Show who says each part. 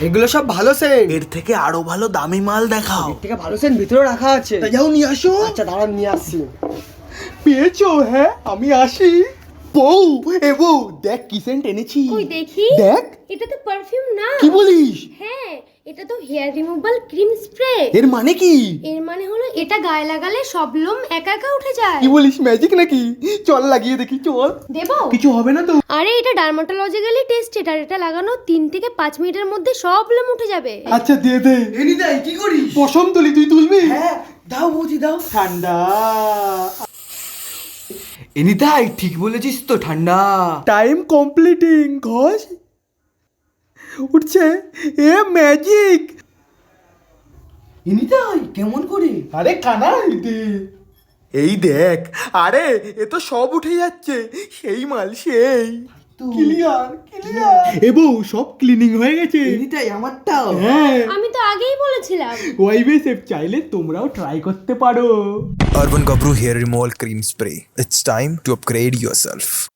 Speaker 1: এগুলো সব ভালো সেন্ট।
Speaker 2: এর থেকে আরো ভালো দামি মাল দেখাও।
Speaker 1: এর থেকে ভালো সেন্ট ভিতরে রাখা আছে।
Speaker 2: তা যাও নিয়ে আসো।
Speaker 1: আচ্ছা দাঁড়ান নিয়ে আসছি।
Speaker 2: পেয়েছো? হ্যাঁ আমি আসি। বউ, এ বউ দেখ কি সেন্ট এনেছি।
Speaker 3: কই দেখি।
Speaker 2: দেখ।
Speaker 3: এটা তো পারফিউম না।
Speaker 2: কি বলিস?
Speaker 3: হ্যাঁ, এটা তো হেয়ার রিমুভাল ক্রিম স্প্রে।
Speaker 2: এর মানে কি?
Speaker 3: এর মানে হলো এটা গায়ে লাগালে সব লোম একা একা উঠে যায়।
Speaker 2: কি বলিস, ম্যাজিক নাকি? চল লাগিয়ে দেখি, চল।
Speaker 3: দেবো?
Speaker 2: কিছু হবে না তো?
Speaker 3: আরে এটা ডার্মাটোলজিক্যালি টেস্টেড, আর এটা লাগানো 3 থেকে 5 মিনিটের মধ্যে সব লোম উঠে যাবে।
Speaker 2: আচ্ছা দিয়ে দে।
Speaker 1: এনি দাই কি করিস?
Speaker 2: পশম তুলি, তুই তুলবি?
Speaker 1: হ্যাঁ দাও বৌদি দাও।
Speaker 2: ঠান্ডা।
Speaker 1: এনি দাই ঠিক বলেছিস তো, ঠান্ডা।
Speaker 2: Time completing. ঘষ উঠছে। A magic.
Speaker 1: এনি দাই কেমন করে?
Speaker 2: আরে কানা এই দেখ। আরে এ তো সব উঠে যাচ্ছে। সেই মাল সেই। Clear clear. এ বউ সব ক্লিনিং হয়ে গেছে।
Speaker 1: এনি দাই আমারটাও।
Speaker 2: হ্যাঁ,
Speaker 3: আমি তো আগেই বলেছিলাম।
Speaker 2: ওয়াইবে সেফ চাইলে তোমরাও ট্রাই করতে পারো।
Speaker 4: Urban Gabru Hair Removal Cream Spray. It's time to upgrade yourself.